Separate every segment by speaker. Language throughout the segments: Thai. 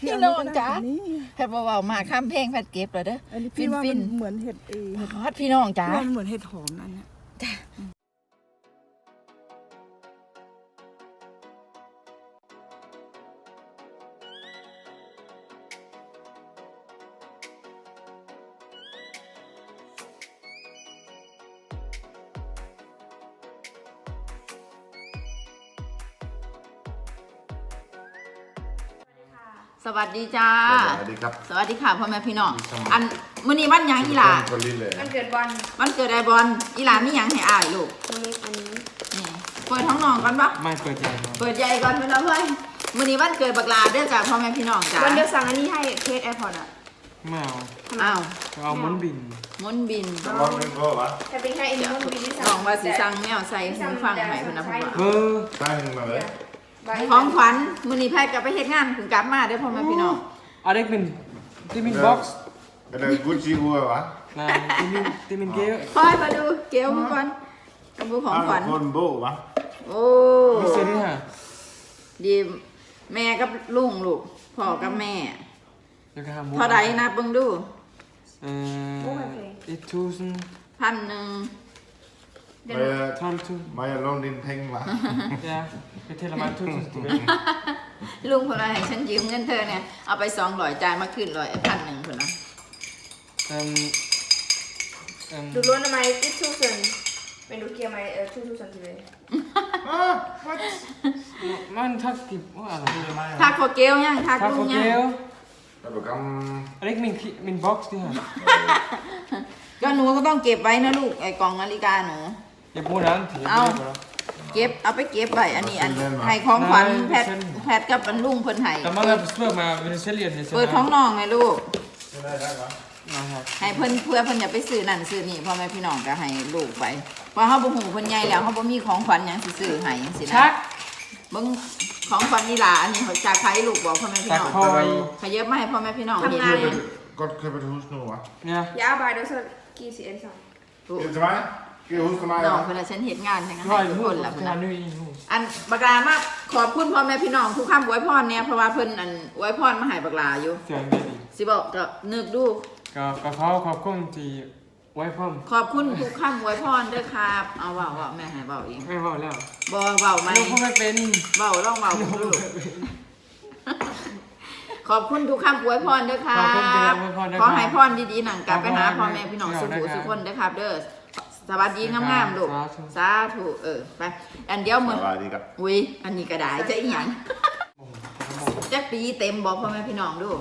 Speaker 1: พี่น้องจ๋าแพทย์เบาๆมาข้ามเพลงแพทย์เก็บเลยเด้อ
Speaker 2: ฟินเหมือนเห็ด
Speaker 1: ฮอตพี่น้องจ๋า
Speaker 2: มันเหมือนเห็ดหอมนั่นเนี่ย
Speaker 1: สวัสดีจ้า
Speaker 3: สวัสดีครับ
Speaker 1: สวัสดีค่ะพ่อแม่พี่น้องอันมื้อนี้วันหยังอีหล่า
Speaker 4: วันเกิดบอล
Speaker 1: วันเกิดไอ้บอลอีหล่ามีหยังให้อ้ายลูก
Speaker 4: วันนี้
Speaker 1: นี่เปิดท้องน้องก่อนปะ
Speaker 5: ไม่เปิดใหญ่
Speaker 1: เปิดใหญ่ก่อนเพื่อนเพื่อนมื้อนี้วันเกิดบักลาเด้อจ้าพ่อแม่พี่น้องจ้า
Speaker 4: วันเดียวสั่งอันนี้ให้เคสแอร์พอร์ตอ่ะ
Speaker 5: ไม่เอา
Speaker 1: อ้าว
Speaker 5: เอาม้วนบิน
Speaker 1: ม้วนบิน
Speaker 3: ม้วนบินก็วะ
Speaker 4: แต่เป็นแค่อินม้วนบินที่สั่ง
Speaker 1: ลองว่าสิสั่งแมวใส่หูฟังให้เพิ่นนะพ่อ
Speaker 3: ตั้งมาเลย
Speaker 1: ของขวัญมื้อนี้แพทย์ก็ไปเฮ็ดงานถึงกลับมาเด้อพ่อแม่พี่น้อง
Speaker 5: อะไรเป็นที่มินบ็อกซ์
Speaker 3: อะไรกุชชี่วัววะ
Speaker 5: นะที่มินเกล
Speaker 1: คอยมาดูเกลมาก่อนกับบุของขวัญ
Speaker 3: คนโบ้วะ
Speaker 1: โอ้
Speaker 5: ไม่เสียดีฮะ
Speaker 1: ดีแม่กับลุงลูกพ่อกับแม่เท่าใดนะเบิ่งดู1,000
Speaker 3: ไม่ลงดินเพ่งวะ
Speaker 5: ไปเทละมันทุก
Speaker 1: ลุงคนอะไรฉันยืมเงินเธอเนี่ยเอาไป200จ่ายมาขึ้น1,000คนนะ
Speaker 4: ดูล้วนทำไมอิทูซันเป็นดูเกียร์ไหมทูซันทีเลย
Speaker 5: มันทักกิบว่าอะไร
Speaker 1: ทักโคเกลยังทักลุงยัง
Speaker 5: อะไรมินบ็อกซ์ที่ฮะ
Speaker 1: ก็หนูก็ต้องเก็บไว้นะลูกไอ้กล่องนาฬิกาหนู
Speaker 5: อย่าพูดนั้นถือ
Speaker 1: เอาไปเก็บไว้อันนี้ให้ของขวัญแพทกับอันลุงเพิ่นให้
Speaker 5: แต่มาแบบเพื่อมาเป็นเซเลียน
Speaker 1: เปิดท้องน้องไงลูกให้เพิ่นเพื่อเพิ่นอย่าไปซื้อนั่นซื้อนี่พ่อแม่พี่น้องก็ให้ลูกไปเพราะเฮาบ่ฮู้เพิ่นใหญ่แล้วเฮาบ่มีของขวัญหยังสิซื้อให้จังซี่นะเบิ่งของขวัญนี่ล่ะอันนี้เขาจากใครลูกบอกพ่อแม่พี่น้องขยับมาให้พ่อแม่พี่น้อง
Speaker 4: ทำงาน
Speaker 3: ก็เคยไปทูสโนวะ
Speaker 5: เนี่ย
Speaker 4: ยาบายโดยส่วนกี่สิเอ็นสอง
Speaker 3: ใช่ไหมกี่ฮูสมา
Speaker 1: น้องเพิ่นฉันเฮ็ดงานทั้งนั้นทุกคนล่ะเพิ่นอันบักลามาขอบคุณพ่อแม่พี่น้องทุกคำอวยพรเนี่ยเพราะว่าเพิ่นอันอวยพรมาให้บักลาอยู่สิบอกก็นึกดู
Speaker 5: ก็ขอบคุณที่ไว้พร้อม
Speaker 1: ขอบคุณทุกคำอวยพรด้วยครับเอาเว้าแม่ให้เว้าเอง
Speaker 5: ไม่เว้าแล้ว
Speaker 1: บ่เว้าไหม
Speaker 5: ลูกไม่เป็น
Speaker 1: เว้าลองเว้าลูกขอบคุณทุกคำอวยพรด้วยครับขอให้พรดีๆหนังกลับไปหาพ่อแม่พี่น้องสุขสุขคนด้วยครับเด้อสวัสดีงามๆลูกสาธุไปอันเดียวมืออุ้ยอันนี้ก็ได้จะอีหยังจะปีเต็มบอกพ่อแม่พี่น้องดู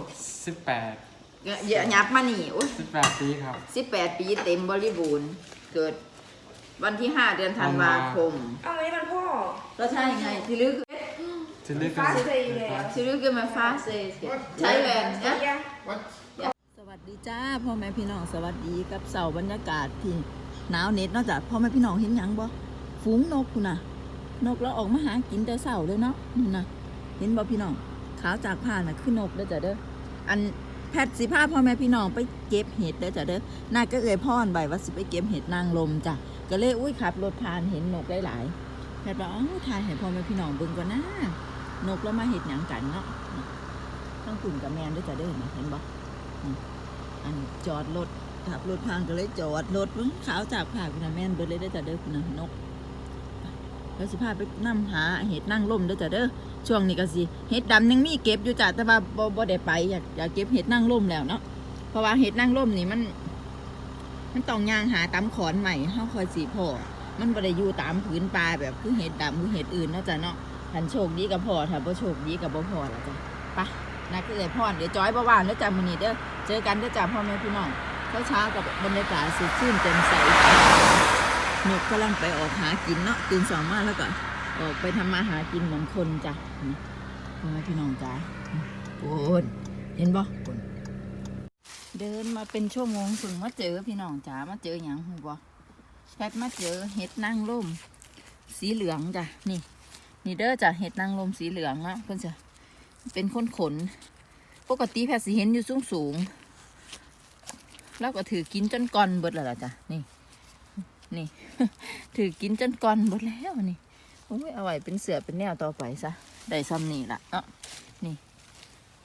Speaker 5: 18
Speaker 1: อย่ายับมานี่อุ้ย
Speaker 5: 18ปีครับ
Speaker 1: 18ปีเต็มบริบูรณ์เกิดวันที่5เดือนธันวาคม
Speaker 4: อ้าววันนี้มันพ่อ
Speaker 1: ก็ใช่ไงที่ลึก
Speaker 4: ฟ้าเซย์แล้ว
Speaker 1: ที่ลึกก็มาฟ้าเซย์ใช่แลนด์สวัสดีจ้าพ่อแม่พี่น้องสวัสดีกับเสาบรรยากาศที่หนาวเน็ตนอกจากพ่อแม่พี่น้องเห็นยังบ่ฝูงนกคุณน่ะนกแล้วออกมาหากินแต่เสาเลยเนาะนี่นะเห็นบ่พี่น้องขาวจากผ่านน่ะคือนกเด้อจ้ะเด้ออันแพทย์สิพาพ่อแม่พี่น้องไปเก็บเห็ดเด้อจ้ะเด้อน่าก็เอ่ยพ่อนใบว่าสิไปเก็บเห็ดนางลมจ้ะก็เลยอุ้ยขับรถผ่านเห็นนกหลายๆแพทย์บอกถ่ายให้พ่อแม่พี่น้องเบิ่งก่อนนะนกแล้วมาเห็ดหยังกันเนาะต้องขุ่นกับแมนเด้อจ้ะเด้อเห็นบ่อันจอดรถขับรถพังก็เลยจอดรถขาวจากผ่าคุณแม่นเบิดเลยได้จ้ะเด้อคุณนกแล้วสิพาไปนั่งหาเห็ดนั่งล่มได้จ้ะเด้อช่วงนี้ก็สิเห็ดดำยังมีเก็บอยู่จ้ะแต่ว่าบ่ได้ไปอยากเก็บเห็ดนั่งล่มแล้วเนาะเพราะว่าเห็ดนั่งล่มนี่มันต้องย่างหาตามขอนใหม่เฮาคอยสีพอมันบ่ได้อยู่ตามพื้นปลาแบบคือเห็ดดำคือเห็ดอื่นเนาะจ้ะเนาะถ้าโชคดีก็พอถ้าบ่โชคดีก็บ่พอละจ้ะไปนักเอ่ยพรเดี๋ยวจอยบ่ว่างเด้อจ้ะมื้อนี้เด้อเจอกันเด้อจ้ะพ่อแม่พี่น้องเช้ากับบรรยากาศสดชื่นแจ่มใสนกกำลังไปออกหากินเนาะตื่นสองมาแล้วก็ออกไปทำมาหากินเหมือนคนจ้ะพ่อแม่พี่น้องจ้ะโอ้เห็นบ่เดินมาเป็นชั่วโมงถึงมาเจอพี่น้องจ้ะมาเจออย่างหูบ่แพทมาเจอเห็ดนางรมสีเหลืองจ้ะนี่เด้อจ้ะเห็ดนางรมสีเหลืองนะเพื่อนจ้ะเป็นขนปกติแพทสิเห็นอยู่สูงแล้วก็ถือกินจนก้อนเบิดแล้วล่ะจ้ะนี่ถือกินจนก้อนเบิดแล้วนี่โอ้ยเอาไว้เป็นเสือเป็นแนวต่อไปซะได้ซ้ำนี่ล่ะนี่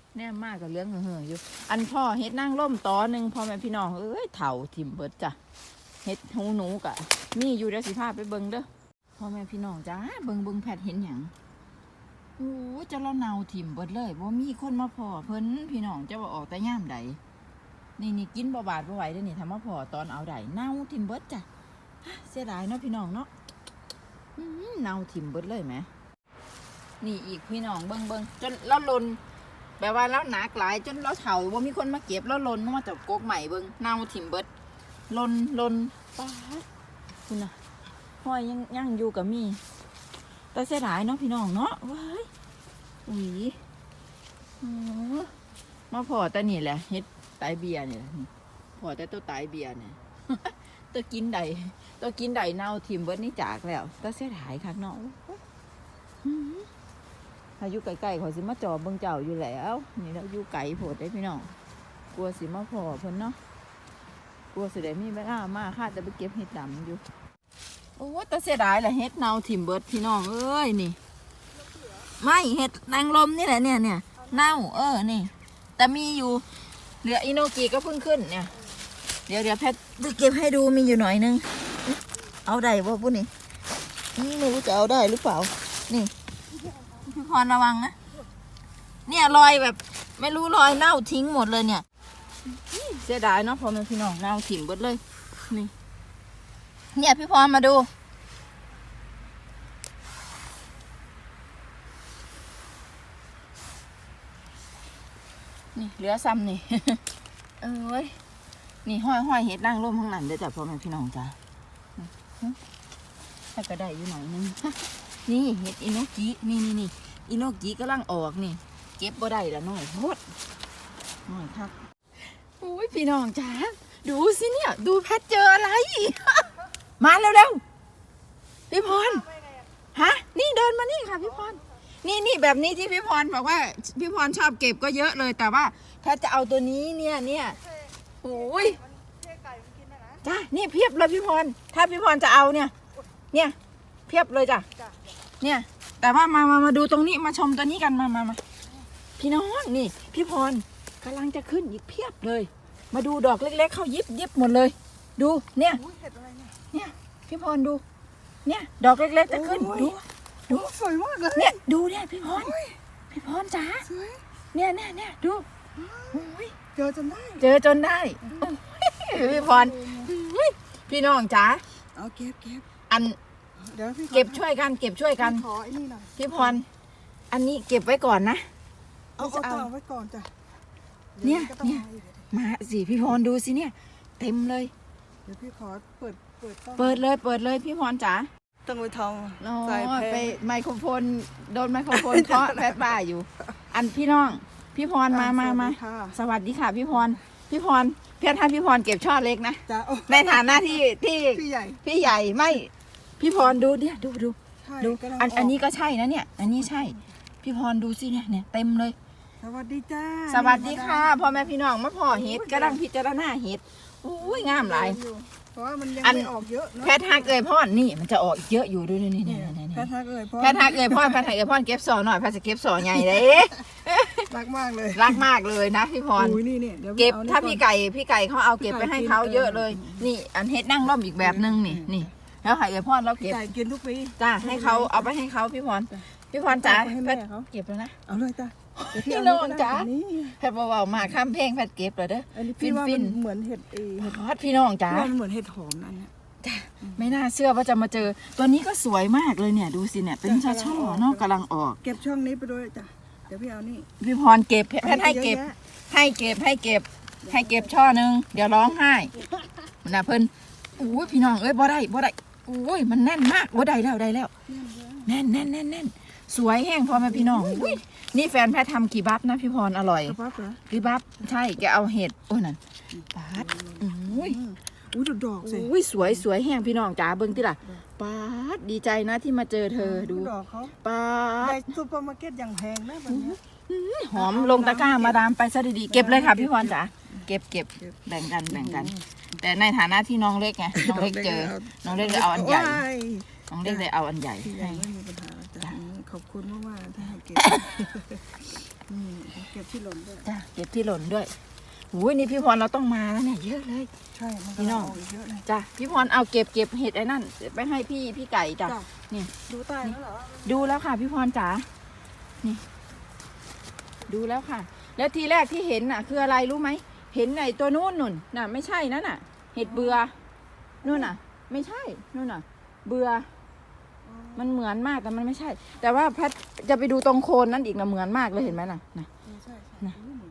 Speaker 1: แน่มากกับเรื่องเห่ออยู่อันพ่อเฮ็ดนั่งร่มตอหนึ่งพ่อแม่พี่น้องเอ้ยเถ่าถิ่มเบิดจ้ะเฮ็ดหูหนูกะนี่อยู่เดี๋ยวสิพาไปเบิ่งเด้อพ่อแม่พี่น้องจ้าเบิ่งแพทย์เห็นหยังโอ้จะเราเนาถิ่มเบิดเลยบ่มีคนมาพ่อเพิ่นพี่น้องจะว่าออกแต่ย่ามใดนี่กินบ่บาดบ่ไหวเด้อนี่ทำมาพ่อตอนเอาใดเน่าถิ่มเบิดจ้ะเสียดายเนาะพี่น้องเนาะเน่าถิ่มเบิดเลยไหมนี่อีกพี่น้องเบิ่งจนเราลนแปลว่าแล้วหนักหลายจนเราเฒ่าว่ามีคนมาเก็บแล้วลนมาจากกกใหม่เบิ่งเน่าถิ่มเบิดลนป้าคุณน่ะห้อยยังอยู่กับมีแต่เสียดายเนาะพี่น้องเนาะว้ายอุ้ยมาพอแต่นี่แหละเฮ็ดไตเบียร์เนี่ยพอแต่ตัวไตเบียร์เนี่ย ตัวกินใดเน่าถิ่มเบิดนี่จากแล้วแต่เสียดายคักเนาะถ้าอยู่ไกลๆขอยสิมาจอเบิ่งเจ้าอยู่แล้วนี่เราอยู่ไกลโพดได้พี่น้องกลัวสิมาพอเพิ่นเนาะกลัวสิได้มีเวลามาข้าจะไปเก็บเห็ดดำอยู่โอ้แต่เสียดายแหละเห็ดเน่าถิ่มเบิดพี่น้องเอ้ยนี่ไม่เห็ดนางลมนี่แหละเนี่ยเน่านี่แต่มีอยู่เหลืออิโนกิก็เพิ่งขึ้นเนี่ยเดี๋ยวแพทย์เก็บให้ดูมีอยู่หน่อยนึงเอาได้บ่พวกนี้ไม่รู้จะเอาได้หรือเปล่านี่พี่พรระวังนะเนี่ยรอยแบบไม่รู้รอยเน่าทิ้งหมดเลยเนี่ยเสียดายเนาะพอแม่พี่น้องเน่าถิ่มเบิดเลยนี่เนี่ยพี่พรมาดูนี่เหลือซ้ำนี่ เอ้ยนี่ห้อยเห็ดนั่งร่มข้างหลังเด้อจ้ะพ่อแม่พี่น้องจ้ะถ้าก็ได้อยู่หน่อยนึง นี่เห็ดอิโนกินี่อิโนกิกำลังออกนี่เก็บบ่ได้ละน้อยโพดน้อยครับโอ้ยพี่น้องจ้าดูสิเนี่ยดูแพทเจออะไร มาเร็วๆพี่พรฮะนี่เดินมานี่ค่ะพี่พรนี่แบบนี้ที่พี่พรบอกว่าพี่พรชอบเก็บก็เยอะเลยแต่ว่าแพทจะเอาตัวนี้เนี่ยโอ้ยจ้านี่เพียบเลยพี่พรถ้าพี่พรจะเอาเนี่ยเพียบเลยจ้ะเนี่ยแต่ว่ามาดูตรงนี้มาชมตัวนี้กันมาพี่น้องนี่พี่พรกำลังจะขึ้นอีกเพียบเลยมาดูดอกเล็กๆเขายิบหมดเลยดูเนี่ยพี่พรดูเนี่ยดอกเล็กๆจะขึ้นดู
Speaker 2: สวยมากเลย
Speaker 1: เนี่ยดูเนี่ยพี่พรจ๋าเนี่ยดู
Speaker 2: เจอจนได้
Speaker 1: พี่พรพี่น้องจ๋า
Speaker 2: เอาเก็บ
Speaker 1: อัน
Speaker 2: เดี๋ยวพี่
Speaker 1: เก็บช่วยกัน
Speaker 2: ขอไอ้นี่หน่อย
Speaker 1: พี่พรอันนี้เก็บไว้ก่อนนะ
Speaker 2: เอาต่อไว้ก่อนจ้ะ
Speaker 1: เนี่ยมาสิพี่พรดูสิเนี่ยเต็มเลย
Speaker 2: เดี๋ยวพี่ขอเปิด
Speaker 1: เลยพี่พรจ๋า
Speaker 2: ต้องไปทอง
Speaker 1: ใส่ไปไมโครโฟนโดนไมโครโฟนเคาะแพทบ้าอยู่อันพี่น้องพี่พรมาสวัสดีค่ะพี่พรเพียรท่านพี่พรเก็บช่อเล็กนะในฐานะที่พี่ใหญ่ไม่พี่พรดูเนี่ยดูอันนี้ก็ใช่นะเนี่ยอันนี้ใช่พี่พรดูสิเนี่ยเต็มเลย
Speaker 2: สวัสดีจ้า
Speaker 1: สวัสดีค่ะพ่อแม่พี่น้องมาพ่อเห็ดกำลังพิจารณาเห็ดอุ้ยงามหลาย
Speaker 2: เพราะว่ามันยังไม่ออกเยอะ
Speaker 1: แพทย์ฮักเอ่ยพ่อนี่มันจะออกเยอะอยู่ด้วยนี่
Speaker 2: แพทย์ฮักเอ่ยพ่อ
Speaker 1: เก็บสอหน่อยแพทย์จะเก็บสอใหญ่เลย
Speaker 2: รักมาก
Speaker 1: เลยนะพี่พรเก็บถ้าพี่ไก่เขาเอาเก็บไปให้เขาเยอะเลยนี่อันเห็ดนั่งร่มอีกแบบนึงนี่แล้วไข่เอ่ยพ่อเราเก็บ
Speaker 2: กินทุกปี
Speaker 1: จ้าให้เขาเอาไปให้เขาพี่พรจ๋าแพทย์เก็บแล้วนะ
Speaker 2: เอาเลยจ้า
Speaker 1: พี่น้องจ๋าแพทย์เบาๆมาข้ามเพลงแพทย์เก็บเลยเด้อ
Speaker 2: ฟินเหมือนเห็ด
Speaker 1: ฮอตพี่น้องจ๋า
Speaker 2: เหมือนเห็ดหอมนั่น
Speaker 1: จ้าไม่น่าเชื่อว่าจะมาเจอตัวนี้ก็สวยมากเลยเนี่ยดูสิเนี่ยเป็นช่อเนาะกำลังออก
Speaker 2: เก็บช่องนี้ไปด้วยจ้ะเดี๋ยวพี่เอานี่
Speaker 1: พี่พรเก็บแพทย์ให้เก็บช่อนึงเดี๋ยวร้องไห้มันนะเพิ่นอุ้ยพี่น้องเอ้ยบ่ได้อุ้ยมันแน่นมากโอ้ได้แล้วแน่นสวยแห้งพอไหมพี่น้องอุ้ยนี่แฟนแพทย์ทำกีบับนะพี่พรอร่อยกีบับใช่แกเอาเห็ดโอ้นั่นปาดอุ้ย
Speaker 2: ดอกสิ
Speaker 1: อุ้ยสวยแห้งพี่น้องจ๋าเบิ้งที่ล่ะปาดดีใจนะที่มาเจอเธอดู
Speaker 2: ดอกเขา
Speaker 1: ปาด
Speaker 2: ในซูเปอร์มาร์เก็ตอย่างแพงนะแบบนี้
Speaker 1: หอมลงตะกร้ามาดามไปซะดีๆเก็บเลยค่ะพี่พรจ๋าเก็บแบ่งกันแต่ในฐานะที่น้องเล็กไงน้องเล็กเจอน้องเล็กเลยเอาอันใหญ่น้องเล็กเลยเอาอันใหญ่ให้
Speaker 2: ไม่มีปัญหาขอบคุณมากๆที่ให้เก็บนี่เก็บที่หล่นด้วย
Speaker 1: จ้ะเก็บที่หล่นด้วยโอ้ยนี่พี่พรเราต้องมาแล้วเนี่ยเยอะเลย
Speaker 2: ใช่มัน
Speaker 1: พี่น้อง
Speaker 2: กเยอะเลย
Speaker 1: จ้ะพี่พรเอาเก็บเห็ดไอ้นั่นไปให้พี่ไก่จ้ะ
Speaker 2: จ้ะ
Speaker 1: นี่
Speaker 2: ดูใต้แล้วเหรอ
Speaker 1: ดูแล้วค่ะพี่พรจ๋านี่ ดูแล้วค่ะ แล้วทีแรกที่เห็นน่ะ คืออะไรรู้ไหมเห็นไอ้ตัวนู้นนุ่นน่ะไม่ใช่นั่นน่ะ เห็ดเบื่อนู่นน่ะ ไม่ใช่นู่นน่ะ เบื่อมันเหมือนมากแต่มันไม่ใช่ แต่ว่าแพทจะไปดูตรงโคนนั้นอีกนะเหมือนมากเลยเห็นไหมน่ะนะ
Speaker 2: ใช่
Speaker 1: นะ
Speaker 2: เหมือน